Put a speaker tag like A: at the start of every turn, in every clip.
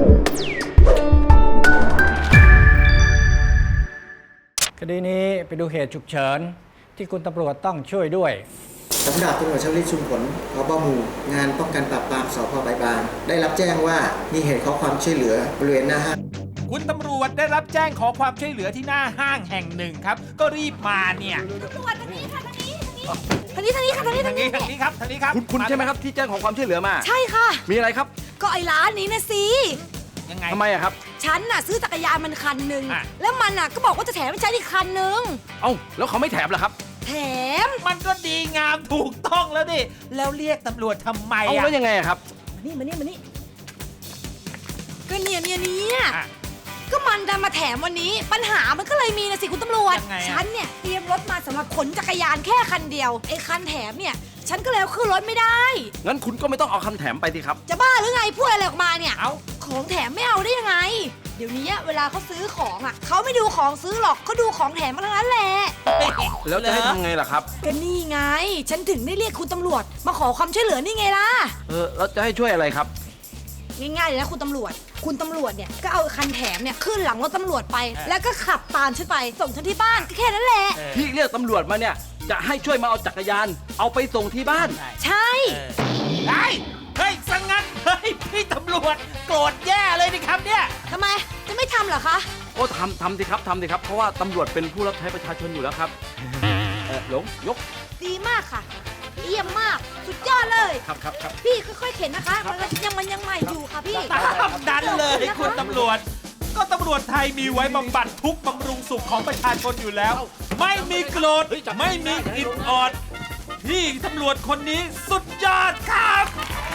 A: คดีนี้ไปดูเหตุฉุกเฉินที่คุณตำรวจต้องช่วยด้วย
B: ผมดาบตำรวจชวลิตชุมผล ผบ.หมู่งานป้องกันปราบปรามสพ.บายบางได้รับแจ้งว่ามีเหตุขอความช่วยเหลือบริเวณหน้าห้าง
C: คุณตำรวจได้รับแจ้งขอความช่วยเหลือที่หน้าห้างแห่งหนึ่งครับก็รีบมาเนี่ย
D: ตำรวจทางนี้ค่ะทางนี้ทางนี้ค่ะทางนี้
C: ทางนี้ครับทางนี้ครับ
E: คุณใช่ไหมครับที่แจ้งขอความช่วยเหลือมา
D: ใช่ค่ะ
E: มีอะไรครับ
D: ก็ไอ้ร้านนี้นะสิ
C: ยังไง
E: ทำไมอะครับ
D: ฉันน่ะซื้อจักรยานมันคันหนึ่งแล้วมันน่ะก็บอกว่าจะแถมให้ฉันอีกคันหนึ่ง
E: เอ้าแล้วเขาไม่แถมเหรอครับ
D: แถม
C: มันก็ดีงามถูกต้องแล้วดิแล้วเรียกตำรวจทำไม
E: เอ้าแล้วยังไงครับ
D: มานี่ก็เนี่ยก็มันดันมาแถมวันนี้ปัญหามันก็เลยมีนะสิคุณตำรวจฉันเนี่ยเตรียมรถมาสำหรับขนจักรยานแค่คันเดียวไอ้คันแถมเนี่ยฉันก็แล้วขึ้นรถไม่ได้
E: งั้นคุณก็ไม่ต้องเอาคำแถมไปสิครับ
D: จะบ้าหรือไงพูดอะไรออกมาเนี่ย
C: เอา
D: ของแถมไม่เอาได้ยังไงเดี๋ยวนี้เวลาเขาซื้อของอ่ะเขาไม่ดูของซื้อหรอกเขาดูของแถมมาทั้งนั้นแหละ
E: แล้วจะให้ทำไงล่ะครับ
D: ก็นี่ไงฉันถึงได้เรียกคุณตำรวจมาขอความช่วยเหลือนี่ไงล่ะ
E: แล้วจะให้ช่วยอะไรครับ
D: ง่ายๆเลยนะคุณตำรวจเนี่ยก็เอาคันแถมเนี่ยขึ้นหลังรถตำรวจไปแล้วก็ขับตามฉันไปส่งฉันที่บ้านก็แค่นั้นแหละ
E: ที่เรียกตำรวจมาเนี่ยจะให้ช่วยมาเอาจักรยานเอาไปส่งที่บ้าน
D: ใช่
C: เฮ้ยสังงั้นเฮ้ยพี่ตำรวจโกรธแย่เลยนี่ครับเนี่ย
D: ทำไมจะไม่ทำเหรอคะ
E: โอ้ทำสิครับเพราะว่าตำรวจเป็นผู้รับใช้ประชาชนอยู่แล้วครับหลงยก
D: ดีมากค่ะเยี่ยมมากสุดยอดเลย
E: ครับ
D: พี่ค่อยๆเข็นนะคะมันยังใหม่อยู่ค่ะพี่
C: ตามนั้นเลยคุณตำรวจก็ตำรวจไทยมีไว้บำบัดทุกบำรุงสุขของประชาชนอยู่แล้วไม่มีโกรธไม่มีอิดออดพี่ตำรวจคนนี้สุดยอดครับ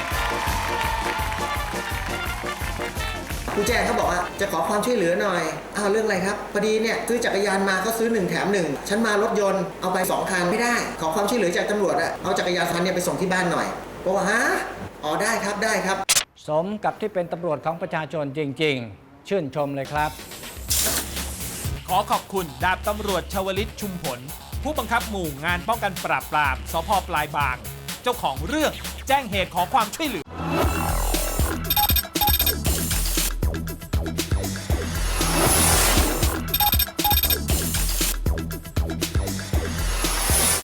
B: ผู้แจ้งเขาบอกว่าจะขอความช่วยเหลือหน่อยเรื่องอะไรครับพอดีเนี่ยซื้อจักรยานมาเขาซื้อ1แถม1ฉันมารถยนต์เอาไป2คันไม่ได้ขอความช่วยเหลือจากตำรวจเอาจักรยานคันนี้ไปส่งที่บ้านหน่อยบอกว่าฮะได้ครับ
A: สมกับที่เป็นตำรวจของประชาชนจริงๆชื่นชมเลยครับ
C: ขอขอบคุณดาบตำรวจชวลิตชุมผลผู้บังคับหมู่งานป้องกันปราบปรามสพ.ปลายบางเจ้าของเรื่องแจ้งเหตุขอความช่วยเหลือ